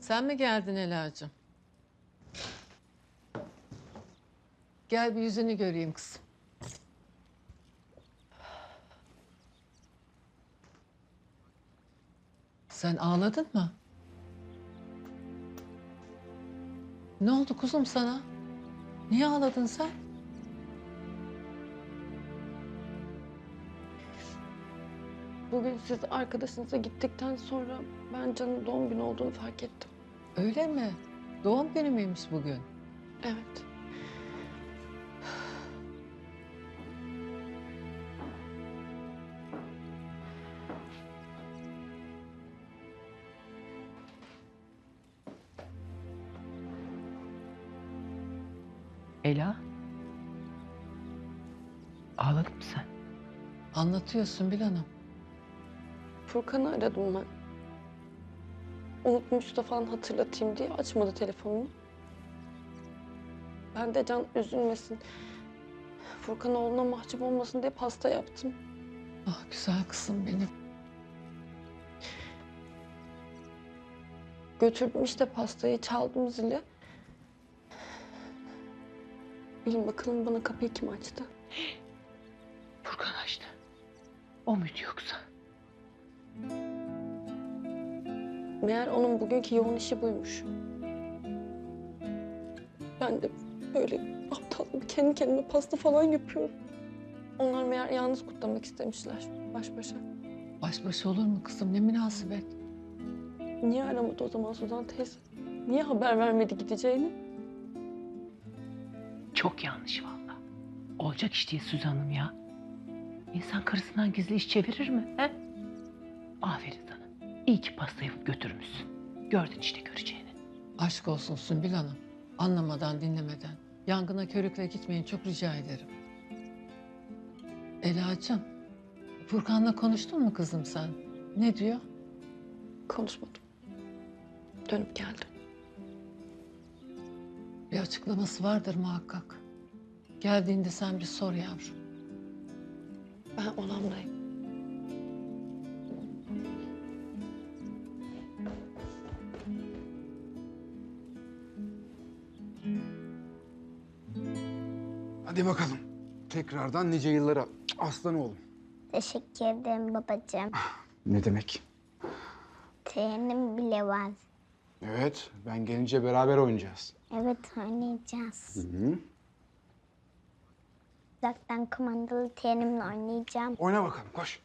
Sen mi geldin Ela'cığım? Gel bir yüzünü göreyim kızım. Sen ağladın mı? Ne oldu kuzum sana? Niye ağladın sen? Bugün siz arkadaşınıza gittikten sonra ben Can'ın doğum günü olduğunu fark ettim. Öyle mi? Doğum günü müymüş bugün? Evet. Ela? Ağladın mı sen? Anlatıyorsun Bil Hanım. Furkan'ı aradım ben. Unutmuş da falan hatırlatayım diye açmadı telefonunu. Ben de Can üzülmesin, Furkan oğluna mahcup olmasın diye pasta yaptım. Ah güzel kızım benim. Götürdüm işte pastayı, çaldım zili. Bilin bakalım bana kapıyı kim açtı? Furkan açtı. O muydu yoksa? Meğer onun bugünkü yoğun işi buymuş. Ben de böyle aptal gibi kendi kendime pasta falan yapıyorum. Onlar meğer yalnız kutlamak istemişler baş başa. Baş başa olur mu kızım? Ne münasebet. Niye aramadı o zaman Suzan teyze? Niye haber vermedi gideceğini? Çok yanlış vallahi. Olacak iş değil Süzan Hanım ya. İnsan karısından gizli iş çevirir mi? He? Aferin sana. İyi ki pasta yapıp götürmüşsün. Gördün işte göreceğini. Aşk olsun Sümbül Hanım. Anlamadan dinlemeden. Yangına körükle gitmeyin çok rica ederim. Ela'cığım, Furkan'la konuştun mu kızım sen? Ne diyor? Konuşmadım. Dönüp geldim. Bir açıklaması vardır muhakkak. Geldiğinde sen bir sor yavrum. Ben odamdayım. Hadi bakalım. Tekrardan nice yıllara. Aslan oğlum. Teşekkür ederim babacığım. Ne demek? Trenim bile var. Evet, ben gelince beraber oynayacağız. Evet oynayacağız. Hı. Uzaktan kumandalı trenimle oynayacağım. Oyna bakalım, koş.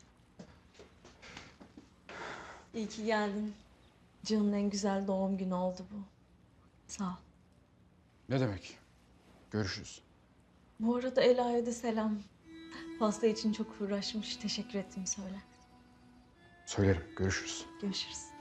İyi ki geldin. Can'ın en güzel doğum günü oldu bu. Sağ ol. Ne demek? Görüşürüz. Bu arada Ela'ya da selam. Pasta için çok uğraşmış. Teşekkür ettim söyle. Söylerim, görüşürüz. Görüşürüz.